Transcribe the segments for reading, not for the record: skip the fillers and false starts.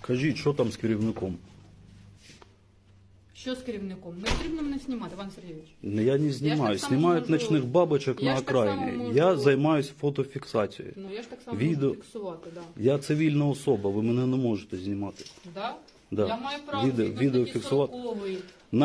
Кажіть, що там з керівником? Що з керівником? Не потрібно мене знімати, Іван Сергійович. Я не знімаю. так само Знімають можу- ночних бабочок Я на ж так само окраїні. можу- Я займаюся фотофіксацією. Ну я ж так само Відео- можу фіксувати, да. Я цивільна особа, ви мене не можете знімати. Да? Да. Я маю право Відео фіксувати. На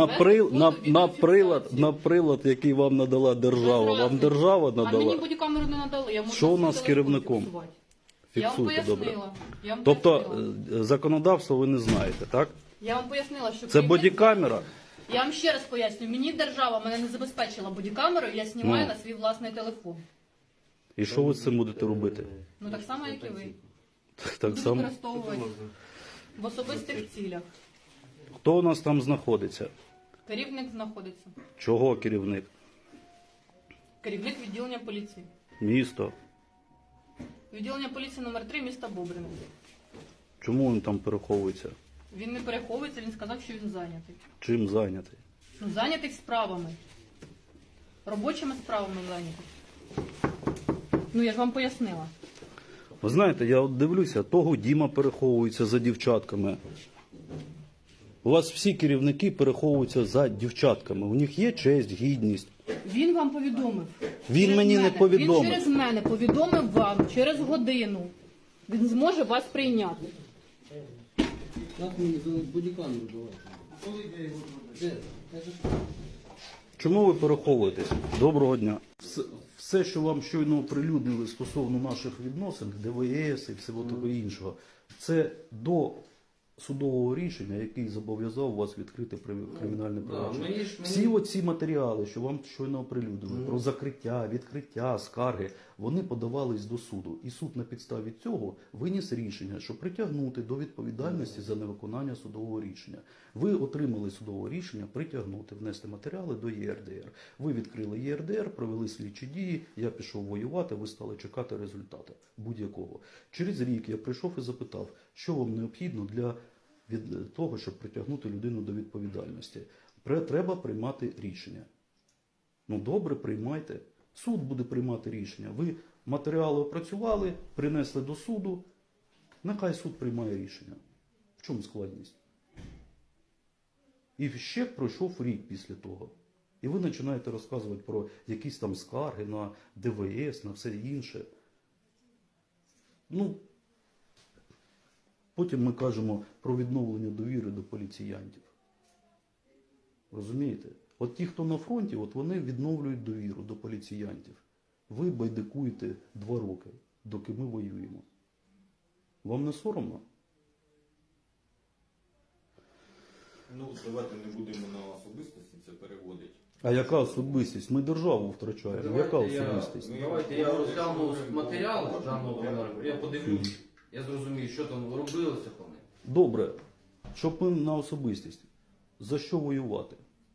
На прилад, який вам надала держава. Вам держава А мені надала. бодікамеру не надали. Я можу Що у на нас свій з телефон керівником? фіксувати. Я вам Фіксуйте, добре. пояснила. Я вам Тобто пояснила. законодавство ви не знаєте, так? Я вам пояснила, що Це керівник- бодікамера. Я вам ще раз поясню. Мені держава мене не забезпечила бодікамерою, я знімаю Ну. на свій власний телефон. І що ви з цим будете робити? Ну так само, як і ви. Так Буду само. використовувати в особистих цілях. Хто у нас там знаходиться? Керівник знаходиться. Чого керівник? Керівник відділення поліції. Місто. Відділення поліції номер 3 міста Бобрина. Чому він там переховується? Він не переховується, він сказав, що він зайнятий. Чим зайнятий? Ну, зайнятий справами. Робочими справами зайнятий. Ну, я ж вам пояснила. Ви знаєте, я от дивлюся, того Діма переховується за дівчатками. У вас всі керівники переховуються за дівчатками. У них є честь, гідність. Він вам повідомив. Він Через мені не мене. повідомив. Він через мене повідомив вам через годину. Він зможе вас прийняти. Как мені бодікамеру давати? Де? Чому ви переховуєтесь? Доброго дня. Все, що вам щойно оприлюднили стосовно наших відносин, ДВС і всього того іншого, це до судового рішення, який зобов'язав вас відкрити кримінальне провадження. Всі оці матеріали, що вам щойно оприлюднили, про закриття, відкриття, скарги, вони подавались до суду. І суд на підставі цього виніс рішення, що притягнути до відповідальності за невиконання судового рішення. Ви отримали судове рішення притягнути, внести матеріали до ЄРДР. Ви відкрили ЄРДР, провели слідчі дії, я пішов воювати, ви стали чекати результату будь-якого. Через рік я прийшов і запитав, що вам необхідно для від того, щоб притягнути людину до відповідальності. Треба приймати рішення. Ну добре, приймайте. Суд буде приймати рішення. Ви матеріали опрацювали, принесли до суду. Нехай суд приймає рішення. В чому складність? І ще пройшов рік після того. І ви починаєте розказувати про якісь там скарги на ДВС, на все інше. Ну, потім ми кажемо про відновлення довіри до поліціянтів. Розумієте? От ті, хто на фронті, от вони відновлюють довіру до поліціянтів. Ви байдикуєте 2 роки, доки ми воюємо. Вам не соромно? Ну, давайте не будемо на особистості це переводити. А яка особистість? Ми державу втрачаємо. Яка Давайте особистість? Давайте я розгляну матеріал даного винограду, я подивлюсь, я зрозумію, що там робилося по ним. Добре, щоб ми на особистість. За що воювати?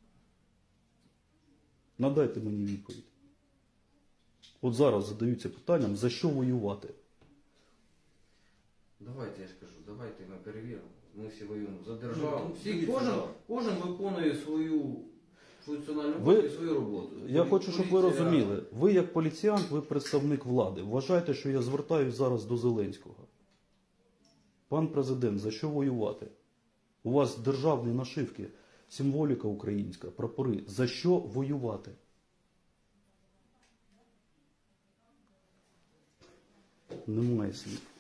Надайте мені відповідь. От зараз задаються питанням, за що воювати? Давайте, я ж кажу, давайте ми перевіримо. Ми всі воюємо за державу. Всі, кожен виконує свою функціональну роботу і свою роботу. Я хочу, щоб ви Поліція- розуміли. Ви як поліціянт, ви представник влади. Вважайте, що я звертаюсь зараз до Зеленського. Пан президент, за що воювати? У вас державні нашивки, символіка українська, прапори. За що воювати? Немає слів.